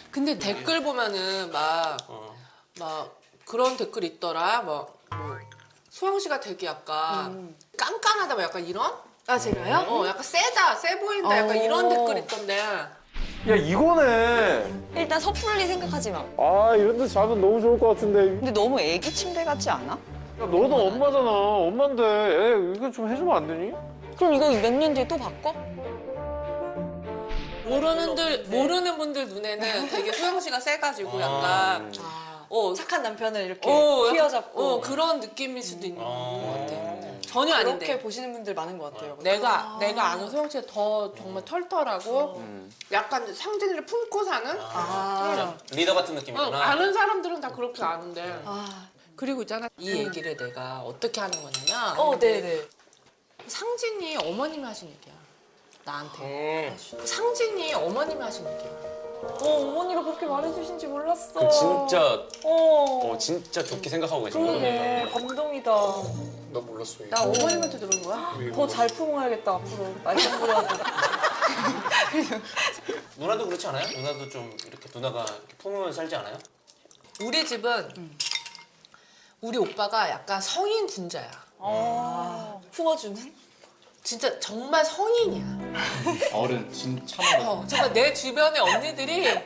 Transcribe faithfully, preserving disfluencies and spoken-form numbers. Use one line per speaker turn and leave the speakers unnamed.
근데 댓글 보면은 막,
어.
막 그런 댓글 있더라. 막, 뭐, 소영 씨가 되게 약간
음.
깐깐하다, 뭐 약간 이런?
아 제가요?
어, 약간 세다, 세 보인다, 약간
어.
이런 댓글 있던데.
야 이거네.
일단 섣불리 생각하지 마.
아 이런 데 자면 너무 좋을 것 같은데.
근데 너무 애기 침대 같지 않아?
야 너도 엄마잖아. 엄마인데 애 이거 좀 해주면 안 되니?
그럼 이거 몇 년 뒤에 또 바꿔?
모르는 들, 모르는 분들 눈에는 되게 소영 씨가 세가지고 약간,
아,
어,
착한 남편을 이렇게
어, 약간,
휘어잡고
어, 그런 느낌일 수도 있는
어.
것 같아. 전혀 아닌데.
그렇게 보시는 분들 많은 것 같아요.
내가 내가 아는 소영 씨가 더 정말 털털하고 약간 상진이를 품고 사는.
아,
리더 같은
어,
느낌이구나.
아는 사람들은 다 그렇게 아는데.
아,
그리고 있잖아 이 얘기를 내가 어떻게 하는 거냐면.
어, 네네.
상진이 어머님이 하신 얘기야. 나한테.
음.
상진이 어머님이 하신 얘기야.
어, 어머니가 그렇게 말해주신지 몰랐어.
그 진짜
어,
어 진짜 좋게 생각하고 계신 거네.
그러네. 감동이다.
나 몰랐어.
나 어머님한테 들은 거야?
더 잘 품어야겠다, 앞으로. 말씀드려야지.
누나도 그렇지 않아요? 누나도 좀 이렇게 누나가 이렇게 품으면 살지 않아요?
우리 집은 우리 오빠가 약간 성인 군자야.
어, 품어주는?
진짜 정말 성인이야.
어른 진짜 어른.
어, 정말 내 주변의 언니들이